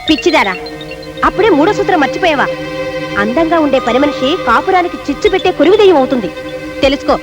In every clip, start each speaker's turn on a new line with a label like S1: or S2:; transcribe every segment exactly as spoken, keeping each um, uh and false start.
S1: పిచ్చిదారా, అప్పుడే మూడో సూత్రం మర్చిపోయావా? అందంగా ఉండే పని మనిషి కాపురానికి చిచ్చు పెట్టే కురివిదయం అవుతుంది, తెలుసుకో.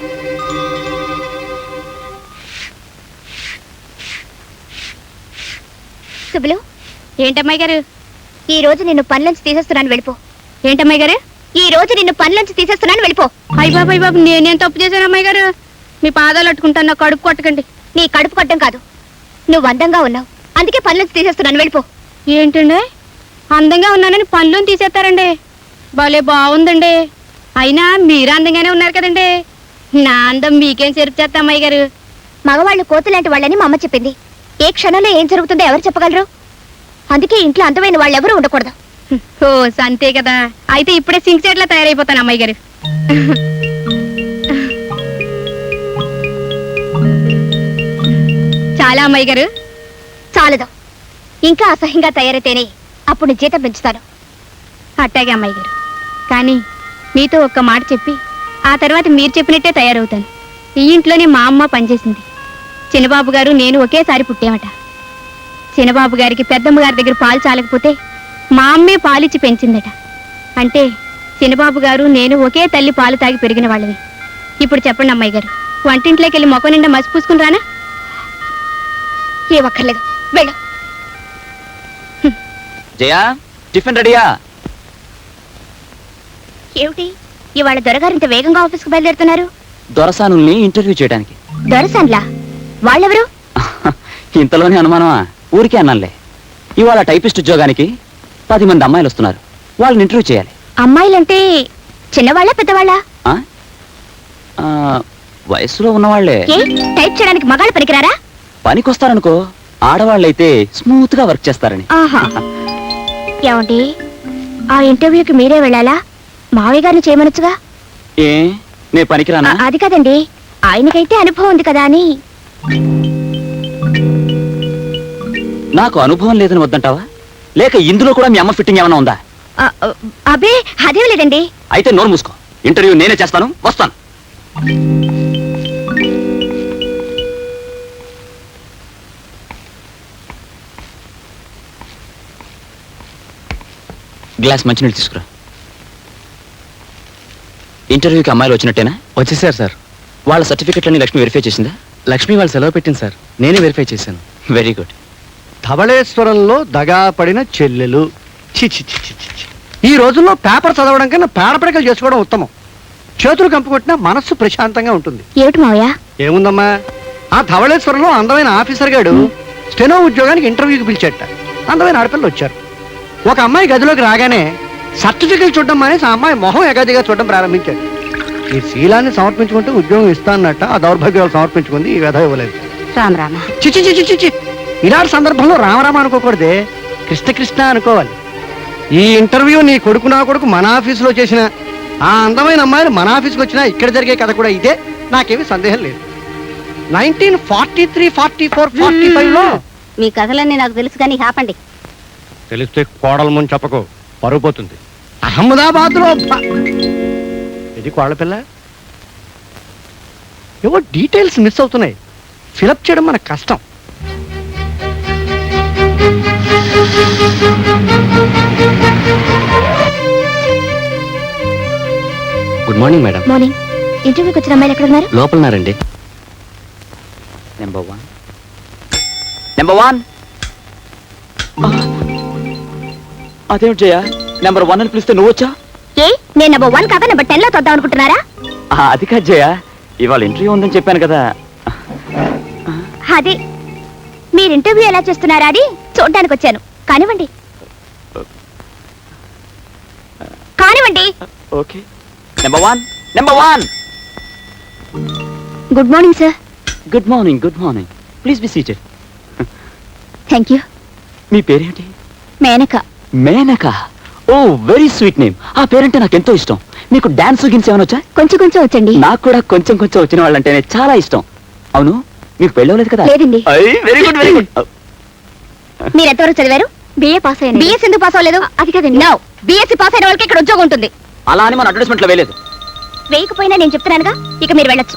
S2: సుబ్బులు, ఏంటమ్మాయి గారు ఈ రోజు నిన్ను పనిలోంచి తీసేస్తున్నాను, వెళ్ళిపో. ఏంటమ్మాయి గారు ఈ రోజు నిన్ను పనిలోంచి తీసేస్తున్నాను, వెళ్ళిపో. అయ్య బాబు అయ్య బాబు, నేనేం తప్పు చేశాను అమ్మాయి గారు? మీ పాదాలు అట్టుకుంటాను, నా కడుపు కొట్టకండి. నీ కడుపు కొట్టం కాదు, నువ్వు అందంగా ఉన్నావు, అందుకే పనిలోంచి తీసేస్తున్నాను, వెళ్ళిపో. ఏంటండి, అందంగా ఉన్నానని పనిలోని తీసేస్తారండి? భలే బాగుందండి. అయినా మీరు అందంగానే ఉన్నారు కదండి. నా అందం మీకేం చెరుపు చేస్తా అమ్మాయి గారు? మగవాళ్ళు కోతులాంటి వాళ్ళని మా అమ్మ చెప్పింది. ఏ క్షణంలో ఏం జరుగుతుందో ఎవరు చెప్పగలరు? అందుకే ఇంట్లో అందమైన వాళ్ళు ఎవరు ఉండకూడదు. ఓ అంతే కదా, అయితే ఇప్పుడే సింక్ సెట్లా తయారైపోతాను అమ్మాయి గారు. చాలా అమ్మాయి గారు, చాలదు, ఇంకా అసహ్యంగా తయారైతేనే అప్పుడు జీతం పెంచుతాను. అట్టాగే అమ్మాయి గారు, కానీ మీతో ఒక్క మాట చెప్పి ఆ తర్వాత మీరు చెప్పినట్టే తయారవుతాను. ఈ ఇంట్లోనే మా అమ్మ పనిచేసింది. చిన్నబాబు గారు నేను ఒకేసారి పుట్టామట. చిన్నబాబు గారికి పెద్దమ్మ గారి దగ్గర పాలు చాలకపోతే మా అమ్మే పాలిచ్చి పెంచిందట. అంటే చిన్నబాబు గారు నేను ఒకే తల్లి పాలు తాగి పెరిగిన వాళ్ళవి. ఇప్పుడు చెప్పండి అమ్మాయి గారు, వంటింట్లోకి వెళ్ళి మొక్క నిండా మసి పూసుకుని రానా? ఏ ఒక్కర్లేదు, వెళ్ళు.
S3: జయా, టిఫిన్ రెడీయా?
S2: ఏమిటి ఇవాళ దొరగారు ఇంత వేగంగా ఆఫీస్కి బయలుదేరుతున్నారు?
S3: దొరసానుల్ని ఇంటర్వ్యూ చేయడానికి.
S2: దొరసాన్లా? వాళ్ళెవరు?
S3: ఇంతలోనే అనుమానమా? ఊరికే అన్నానులే. ఇవాళ టైపిస్ట్ ఉద్యోగానికి పది మంది అమ్మాయిలు వస్తున్నారు, వాళ్ళని ఇంటర్వ్యూ చేయాలి.
S2: అమ్మాయిలంటే చిన్నవాళ్ళ పెద్దవాళ్ళ?
S3: వయసులో ఉన్నవాళ్లే.
S2: టైప్ చేయడానికి మగాళ్ళు పనికిరారా?
S3: పనికొస్తారనుకో, ఆడవాళ్ళైతే స్మూత్ గా వర్క్ చేస్తారని.
S2: ఏమండి, ఆ ఇంటర్వ్యూకి మీరే వెళ్ళాలా? మావయ్య గారిని చేయమనొచ్చుగా.
S3: ఏ నే పనికిరానా?
S2: అది కదండి, ఆయనకైతే అనుభవం ఉంది కదా అని.
S3: నాకు అనుభవం లేదని వద్దంటావా, లేక ఇందులో కూడా మీ అమ్మ ఫిట్టింగ్ ఏమైనా ఉందా?
S2: అబే అదేం లేదండి.
S3: అయితే నోరు మూసుకో, ఇంటర్వ్యూ నేనే చేస్తాను, వస్తాను. గ్లాస్ మంచినీళ్ళు తీసుకురా. ఇంటర్వ్యూకి అమ్మాయిలు వచ్చినట్టేనా?
S4: వచ్చేసారు సార్.
S3: వాళ్ళ సర్టిఫికెట్లన్నీ లక్ష్మి వెరిఫై చేసిందా?
S4: లక్ష్మి వాళ్ళు సెలవు పెట్టింది సార్, నేనే వెరిఫై చేశాను.
S3: Very good.
S5: ధవళేశ్వరంలో దగా పడిన చెల్లెలు. చి చి చి చి చి. ఈ రోజుల్లో పేపర్ చదవడం కన్నా పేడపడకలు చేసుకోవడం ఉత్తమం. చేతులు కంపుకొట్టినా మనస్సు ప్రశాంతంగా ఉంటుంది.
S2: ఏమిటి మావయ్య?
S5: ఏముందమ్మా, ఆ ధవళేశ్వరంలో అందమైన ఆఫీసర్ గాడు స్టెనో ఉద్యోగానికి ఇంటర్వ్యూకి పిలిచేట. అందమైన ఆడపిల్లలు వచ్చారు. ఒక అమ్మాయి గదిలోకి రాగానే సర్టిఫికెట్ చూడడం మానేసి ఆ అమ్మాయి మొహం ఎగాదిగా చూడడం ప్రారంభించాడు. ఈ శీలాన్ని సమర్పించుకుంటే ఉద్యోగం ఇస్తానన్నట్ట ఆ దౌర్భాగ్యాలు సమర్పించుకుంది, ఈ వ్యధ ఇవ్వలేదు.
S2: రామ్ రామ.
S5: చిచి చిచి చిచి. ఇలాంటి సందర్భంలో రామరామ అనుకోకూడదే, కృష్ణ కృష్ణ అనుకోవాలి. ఈ ఇంటర్వ్యూ నీ కొడుకు నా కొడుకు మన ఆఫీసులో చేసిన ఆ అందమైన అమ్మాయిలు మన ఆఫీస్కి వచ్చినా ఇక్కడ జరిగే కథ కూడా ఇదే, నాకేమీ సందేహం లేదు. Nineteen forty three forty four forty five లో
S2: మీ కథలన్నీ నాకు తెలుసు కానీ ఆపండి.
S5: తెలిస్తే కోడల ముందు చెప్పకు, పరుగు పోతుంది. అహ్మదాబాద్ లో ఇది కోడల పిల్ల. ఏవో డీటెయిల్స్ మిస్ అవుతున్నాయి, ఫిలప్ చేయడం మనకు కష్టం.
S3: Good morning madam.
S2: మార్నింగ్. ఇంటర్వ్యూకి వచ్చిన అమ్మాయిలు ఎక్కడ ఉన్నారు?
S3: లోపలన్నారండి. నెంబర్ వన్ నెంబర్ వన్ అదేమిటి జయ, నెంబర్ వన్ అని పిలిస్తే నువ్వు వచ్చా?
S2: ఏ నేను నెంబర్ వన్ కాక నెంబర్ టెన్ లో తొద్దాం అనుకుంటున్నారా?
S3: అది కాదు జయ, ఇవాళ ఇంటర్వ్యూ ఉందని చెప్పాను కదా.
S2: అదే మీరు ఇంటర్వ్యూ ఎలా చేస్తున్నారా అని చూడడానికి వచ్చాను. కానివ్వండి కానివ్వండి.
S3: Okay. Number one number one
S2: good morning sir.
S3: Good morning good morning please be seated.
S2: Thank you.
S3: మీ పేరేంటి?
S2: Menaka.
S3: Menaka? Oh very sweet name. ఆ పేరంటే నాకు ఎంతో ఇష్టం. మీకు డాన్స్ గిన్స్ ఏమైనా వచ్చా?
S2: కొంచెం కొంచెం వచ్చండి.
S3: నాకు కూడా కొంచెం కొంచెం వచ్చిన వాళ్ళంటేనే చాలా ఇష్టం. అవును, మీకు పెళ్ళవలేదు కదా?
S2: లేదండి.
S3: Very good very good.
S2: మీరు ఎంతవరకు చదివారు? బిఏ పాస్ అయ్యాను. బిఎస్ ఎందుకు పాస్ అవ్వలేదు? అది కదండి. నో, బిఎస్సీ పాస్ అయిన వాళ్ళకి ఇక్కడ ఉద్యోగం ఉంటుంది.
S3: అలా అని మన అడ్వర్టైజ్మెంట్ లో వేయలేదు.
S2: వేయకపోయినా నేను చెప్తున్నానుగా, ఇక మీరు వెళ్ళొచ్చు.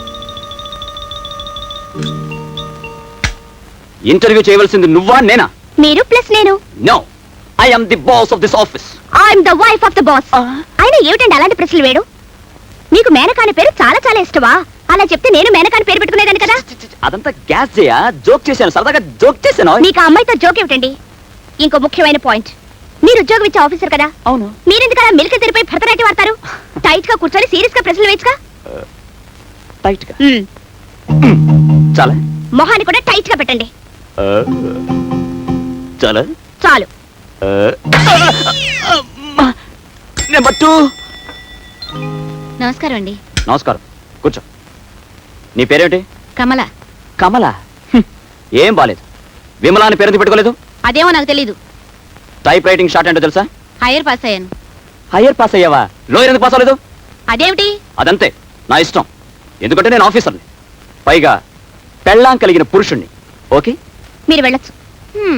S3: ఇంటర్వ్యూ చేయవలసింది నువ్వా నేనా?
S2: మీరు ప్లస్ నేను.
S3: No, I am the boss of this office.
S2: I'm the wife of the boss. అయినా ఏమిటండి అలాంటి ప్రశ్నలు వేడు? మీకు మేనకాని పేరు చాలా చాలా ఇష్టమా? అలా చెప్తే నేను మేనకాని పేరు పెట్టుకునేదాన్ని కదా.
S3: అదంతా గ్యాస్ చేయా, జోక్ చేశాను, సరదాగా జోక్ చేశాను.
S2: మీకు ఆ అమ్మాయితో జోక్ ఏమిటండి? ఇంకో ముఖ్యమైన పాయింట్, మీరు ఉద్యోగం ఇచ్చే ఆఫీసర్ కదా,
S3: అవును.
S2: మీరెందుకు అలా మిల్క తెరిపై భరతనాట్యం ఆడతారు? టైట్ గా కూర్చొని సీరియస్ గా ప్రశ్నలు వేయచ్చుగా.
S3: టైట్ గా చాలా,
S2: మొహాన్ని కూడా టైట్ గా పెట్టండి.
S3: చాలా
S2: చాలు.
S3: Number two.
S2: నమస్కారం అండి.
S3: నమస్కారం, కూర్చో. నీ పేరేమిటి?
S2: కమల.
S3: కమల? హ్మ్. ఏం బాలేదు. విమలా అని పేరు పెట్టుకోలేదు?
S2: అదేమో నాకు తెలీదు.
S3: టైప్ రైటింగ్ షార్ట్ ఏంటో తెలుసా?
S2: హైయర్ పాస్ అయ్యాను.
S3: హయ్యర్ పాస్ అయ్యావా? లోయర్ ఎందుకు పాస్ అవ్వలేదు?
S2: అదేమిటి?
S3: అదంతే, నా ఇష్టం. ఎందుకంటే నేను ఆఫీసర్ని, పైగా పెళ్ళాం కలిగిన పురుషుణ్ణి. ఓకే,
S2: మీరు వెళ్ళొచ్చు. హ్మ్.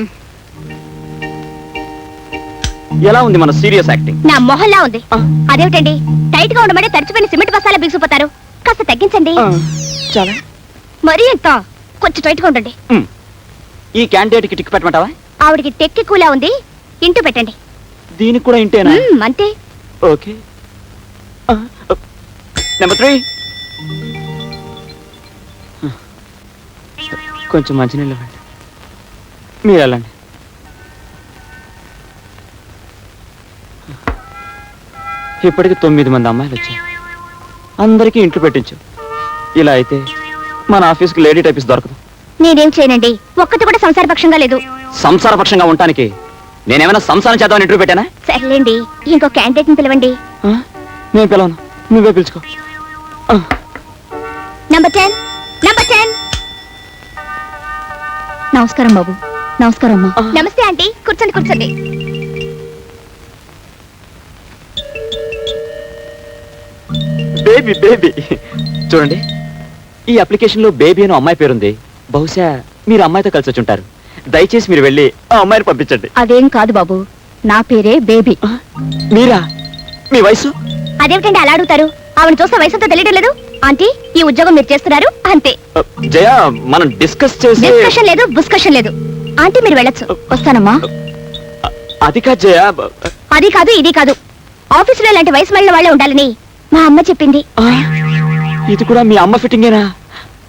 S3: ఎలా ఉంది మన సీరియస్ యాక్టింగ్?
S2: నా మొహల్లా ఉంది.
S3: ఆ.
S2: అదేమిటండి, టైట్ గా ఉండమంటే తడిచిపోయిన సిమెంట్ బస్తాలా బిగుసిపోతారు. కాస్త తగ్గించండి.
S3: చాలా.
S2: మరీ ఎంత? కొంచెం టైట్ గా ఉండండి.
S3: మ్. ఈ క్యాండిడేట్ కి టిక్ పెట్టమంటావా?
S2: ఆవిడికి టెక్కి కూలా ఉంది, ఇంటూ పెట్టండి.
S3: దీనికి కూడా ఇంటేనా?
S2: మ్మ్, అంతే.
S3: ఓకే. Number three. కొంచెం మంచినీళ్ళు ఇవ్వండి. మీరు వెళ్ళండి. ఇప్పటికి తొమ్మిది మంది అమ్మాయిలు వచ్చారు, అందరికీ ఇంట్లో పెట్టించు. ఇలా అయితే మన ఆఫీస్కి లేడీ టైపిస్ట్ దొరకదు.
S2: నేనేం చేయనండి, ఒక్కటి కూడా సంసారపక్షంగా లేదు.
S3: సంసారపక్షంగా ఉండటానికి నేనేమైనా సంసారం చేద్దామని ఇంటర్వ్యూ పెట్టానా?
S2: సర్లేండి, ఇంకో క్యాండిడేట్ ని పిలవండి.
S3: ఆ? నేను పిలవను, నువ్వే పిలుచుకో. ఆ.
S2: Number ten. Number ten. నమస్కారం బాబు. నమస్కారం అమ్మా.
S3: ఆ.
S2: నమస్తే ఆంటీ, కూర్చోండి కూర్చోండి.
S3: బేబీ బేబీ చూడండి, ఈ అప్లికేషన్ లో బేబీ అని అమ్మాయి పేరుంది. బహుశా మీరు అమ్మాయితో కలిసి వచ్చి ఉంటారు. దయచేసి మీరు వెళ్ళి ఆ అమ్మాయిని పంపించండి.
S2: అదేం కాదు బాబు, నా పేరే బేబీ.
S3: ఆ? మీరా? మీ వయసు?
S2: అదేమిటండి అలా అడుగుతారు? ఆవిడ చూస్తే వయసుతో తెలియడం లేదు. ఆంటీ, ఈ ఉద్యోగం మీరు చేస్తున్నారు అంతే.
S3: ఆ, జయ, మనం డిస్కస్ చేసి.
S2: డిస్కషన్ లేదు, బుస్కషన్ లేదు. ఆంటీ మీరు వెళ్ళొచ్చు. వస్తానమ్మా.
S3: ఆ, అది కాదు జయ.
S2: అది కాదు, ఇది కాదు. ఆఫీసులో ఇలాంటి వయసు మళ్ళీ వాళ్ళే ఉండాలని మా అమ్మ చెప్పింది.
S3: ఆ, ఇది కూడా మీ అమ్మ ఫిట్టింగేనా?